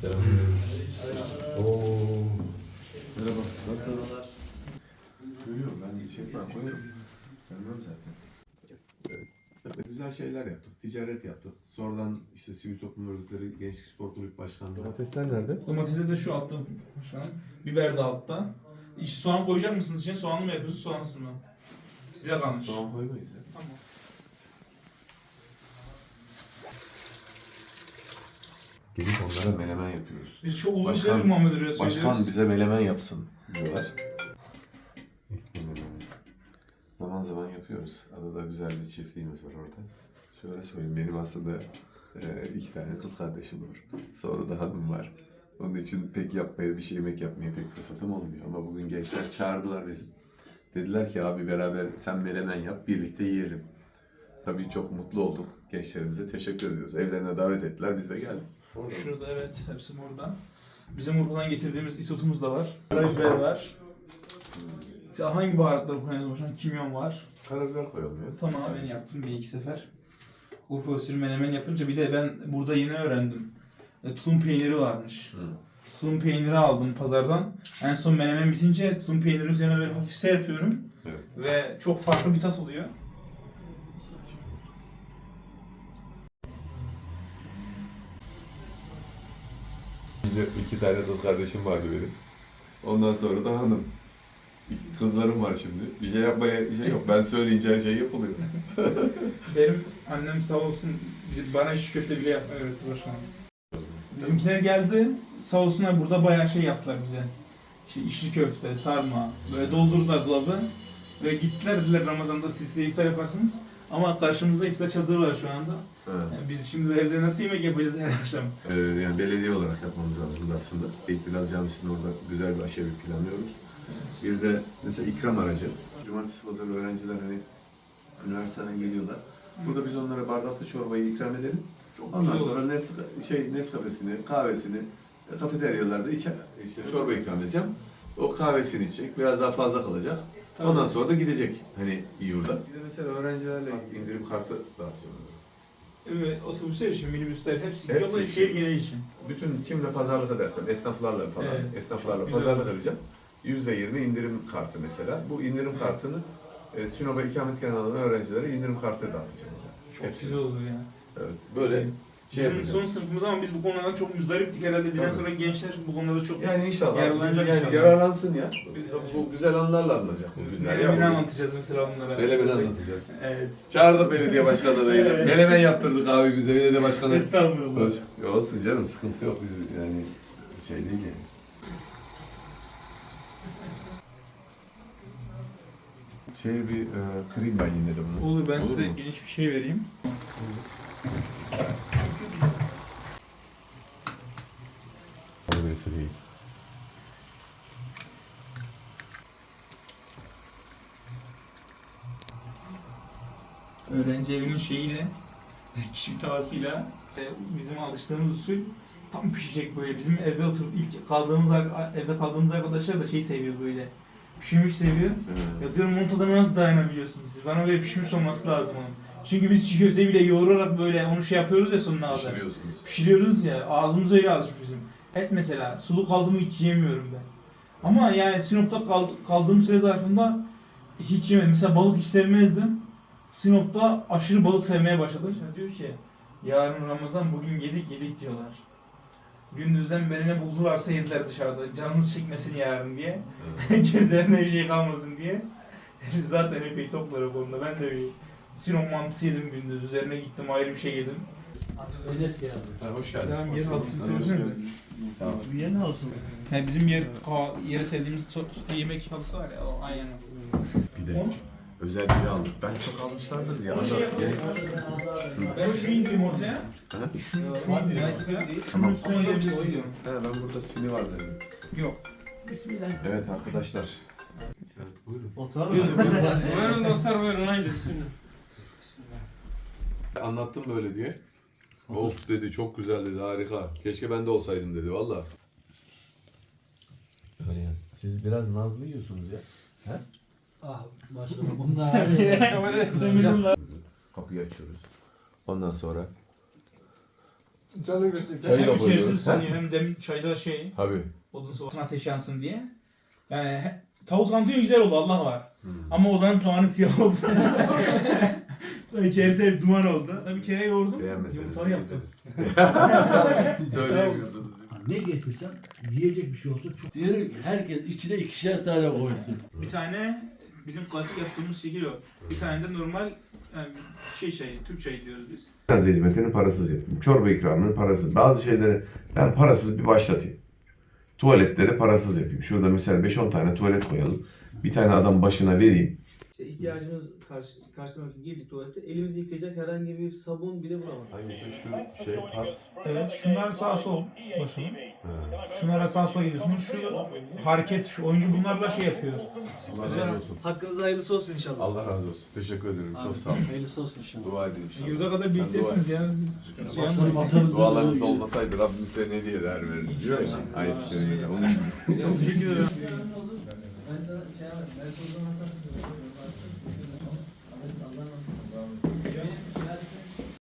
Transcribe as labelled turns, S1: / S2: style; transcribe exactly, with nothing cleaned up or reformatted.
S1: Selamünaleyküm. Oo. Merhaba. Nasılsınız? Görüyorum ben şey falan koyuyorum. Görmem zaten. Evet. Güzel şeyler yaptık. Ticaret yaptık. Sonradan işte sivil toplum örgütleri, Gençlik Spor Kulübü Başkanlığı. Domatesler nerede?
S2: Domatesi de şu altta başkanım. Biber de altta. İçi soğan koyacak mısınız içine? Soğanlı mı yapıyorsunuz, soğansız mı? Size kalmış.
S1: Soğan koymayız ya.
S2: Tamam.
S1: Gelip onlara menemen yapıyoruz.
S2: Biz çok uzun
S1: Başkan-
S2: süredir Muhammed Hoca'ya söylüyoruz.
S1: Başkan bize menemen yapsın diyorlar. Zaman zaman yapıyoruz. Adada güzel bir çiftliğimiz var orada. Şöyle söyleyeyim, benim aslında e, iki tane kız kardeşim var. Sonra da hanım var. Onun için pek yapmaya, bir şey yemek yapmaya pek fırsatım olmuyor. Ama bugün gençler çağırdılar bizi. Dediler ki abi beraber sen menemen yap, birlikte yiyelim. Tabii çok mutlu olduk. Gençlerimize teşekkür ediyoruz. Evlerine davet ettiler, biz de geldik. Orada.
S2: Şurada evet, hepsi burada. Bizim Urfa'dan getirdiğimiz isotumuz da var. Karabiber var. Siz hangi baharatları kullanıyorsunuz başkanım? Kimyon var.
S1: Karabiber koyalım ya.
S2: Tamam, ben yaptım bir iki sefer. Urfa usulü menemen yapınca bir de ben burada yeni öğrendim. E, tulum peyniri varmış.
S1: Hı.
S2: Tulum peyniri aldım pazardan. En son menemen bitince tulum peyniri üzerine böyle hafif serpiyorum.
S1: Evet.
S2: Ve çok farklı bir tat oluyor.
S1: Önce iki tane kız kardeşim vardı benim. Ondan sonra da hanım. Kızlarım var şimdi. Bir şey yapmaya bir şey yok. Ben söyleyince her şey yapılıyor.
S2: Benim annem sağ olsun bana iş köfte bile yapmayı öğretti başkanım. Bizimkiler geldi. Sağ olsunlar burada bayağı şey yaptılar bize. İşte içli köfte, sarma. Böyle doldurdular dolabı. Ve gittiler dediler Ramazan'da siz de iftar yaparsınız. Ama karşımızda iftar çadırı var şu anda.
S1: Evet.
S2: Yani biz şimdi evde nasıl yemek yapacağız her akşam?
S1: Ee, yani belediye olarak yapmamız lazım aslında. İlk Bilal Camisi'nin orada güzel bir aşevi planlıyoruz. Bir de mesela ikram aracı. Cumartesi pazarı öğrenciler hani üniversiteden geliyorlar. Burada biz onlara bardaklı çorbayı ikram edelim. Ondan sonra Nes şey Nescafe'sini, kahvesini e, kafeteryalarda içer. İşte çorba ikram edeceğim. O kahvesini içecek, biraz daha fazla kalacak.
S2: Tabii.
S1: Ondan sonra da gidecek hani yurda. Bir de mesela öğrencilerle indirim kartı dağıtacağım.
S2: Evet, otobüsler için, minibüsler hepsi,
S1: Hepsi
S2: hepsi
S1: için.
S2: şehir genel için.
S1: Bütün kimle pazarlık edersem, esnaflarla falan,
S2: Evet.
S1: esnaflarla
S2: Güzel.
S1: pazarlık edeceğim. yüzde yirmi indirim kartı mesela. Bu indirim kartını e, Sinop'a ikametgah alan öğrencilere indirim kartı dağıtacağım.
S2: Çok
S1: Hepsi.
S2: güzel olur ya.
S1: Evet, böyle şey
S2: Bizim
S1: yapacağız.
S2: son sınıfımız ama biz bu konulardan çok müzdariptik herhalde. Bizden
S1: Tabii.
S2: sonra gençler bu konularda çok
S1: Yani inşallah, biz
S2: yararlanacak
S1: yani
S2: inşallah.
S1: yararlansın ya. Biz de bu güzel anlarla anılacak bu günler.
S2: Menemeni
S1: Ya,
S2: anlatacağız mesela onlara.
S1: Melemeni anlatacağız.
S2: Evet.
S1: Çağırdık belediye başkanı da yine.
S2: Evet.
S1: Menemen yaptırdık abi bize, belediye başkanı.
S2: Estağfurullah.
S1: Ya olsun canım, sıkıntı yok, biz yani şey değil yani. Şey bir e, kırayım ben yine de bunu.
S2: Olur, ben size
S1: mu?
S2: geniş bir şey vereyim.
S1: Öylesi değil.
S2: Öğrenci evinin şeyiyle, kişi tavasıyla e, bizim alıştığımız usul tam pişecek böyle. Bizim evde oturup ilk kaldığımız ar- evde kaldığımız arkadaşlar da şey seviyor böyle. Pişmiş seviyor.
S1: Evet.
S2: Ya diyorum onun tadına nasıl dayanabiliyorsunuz siz? Bana böyle pişmiş olması lazım onun. Çünkü biz çiğ köfteyi bile yoğurarak böyle onu şey yapıyoruz ya sonuna kadar.
S1: Pişiriyorsunuz.
S2: Pişiriyoruz ya, ağzımız öyle alışmış bizim. Et mesela, sulu kaldı mı hiç yiyemiyorum ben. Ama yani Sinop'ta kal- kaldığım süre zarfında hiç yemedim. Mesela balık hiç sevmezdim. Sinop'ta aşırı balık sevmeye başladım. Şimdi diyor ki, yarın Ramazan, bugün yedik yedik diyorlar. Gündüzden beri ne buldularsa yediler dışarıda. Canınız çekmesin yarın diye.
S1: Evet.
S2: Gözlerine bir şey kalmasın diye. Biz zaten epey toplar o konuda. Ben de bir Sinop mantısı yedim gündüz. Üzerine gittim ayrı bir şey yedim.
S3: Enes geldi.
S1: Ha, hoş geldin.
S2: Tamam, yer halısını
S1: Nasılsın?
S2: söylesenize.
S1: Tamam.
S3: Bu yer ne olsun?
S2: Yani bizim yer, ka- yeri sevdiğimiz so- so- yemek halısı var ya, o aynen.
S1: Bir de özel biri aldık. Ben çok almışlardır ya.
S2: Onu şey
S1: Da
S2: yapalım.
S1: gerek var.
S2: Ben şunu indireyim ortaya.
S1: Ha?
S2: Şunu, şunu indireyim ortaya. Şunun
S1: Tamam.
S2: üstüne yiyebilirsin diyorum.
S1: Ha, ben burada sini var dedim.
S2: Yok.
S3: Bismillah.
S1: Evet arkadaşlar. Evet buyurun.
S3: Oturalım.
S4: Buyurun dostlar buyurun haydi bismillah.
S1: Anlattım böyle diye. Of dedi, çok güzel dedi, harika. Keşke ben de olsaydım dedi valla. Öyle yani. Siz biraz nazlı yiyorsunuz ya. He?
S3: Ah başkanım bunlar.
S2: Sen bilin lan.
S1: Kapıyı açıyoruz. Ondan sonra
S5: Canı görsün.
S1: Çayı da
S2: Hem içerisi
S1: koyuyoruz.
S2: ısınıyor hem de çayda şey
S1: Tabii.
S2: odun sobasına ateş yansın diye. Yani he- tavuk tantuni güzel oldu Allah var.
S1: Hmm.
S2: Ama odanın tavanı siyah oldu. Sonra içerisi hep duman oldu. Tabii kere yoğurdum.
S1: Beğenmeseniz.
S2: Yumurtalı yaptım.
S1: Söyleyemiyorsunuz.
S3: Ne getirsen yiyecek bir şey olsa çok. Diyelim ki herkes içine ikişer tane koysun.
S2: Bir tane bizim klasik yaptığımız şekil o. Bir tane de normal yani şey çayı, Türk çayı diyoruz biz.
S1: Gaz hizmetini parasız yapayım. Çorba ikramını parasız. Bazı şeyleri ben parasız bir başlatayım. Tuvaletleri parasız yapayım. Şurada mesela beş on tane tuvalet koyalım. Bir tane adam başına vereyim.
S6: İşte ihtiyacımız karşı, karşılamak için girdik tuvalete. Elimizi yıkayacak herhangi bir sabun bile bulamadık.
S1: Hangisi şu şey pas?
S2: Evet, şunlar sağ sol başlayın. Şunlara sağ sola gidiyorsunuz. Şu hareket, şu oyuncu bunlarla şey yapıyor.
S1: Allah razı olsun.
S6: Hakkınız hayırlısı olsun inşallah.
S1: Allah razı olsun. Teşekkür ederim. Çok sağ olun.
S3: Hayırlısı olsun inşallah.
S1: Dua edin inşallah.
S2: Yurda kadar
S1: Sen
S2: birliktesiniz ya siz. Şey
S3: Başkanım
S2: yapmayın.
S3: atarız.
S1: Dualarınız olmasaydı Rabbim size ne diye değer verirdi diyor ya ayet-i kerimede. Onun gibi.
S2: Çok teşekkür ederim.
S6: Ben sana şey yapayım. Ben o zaman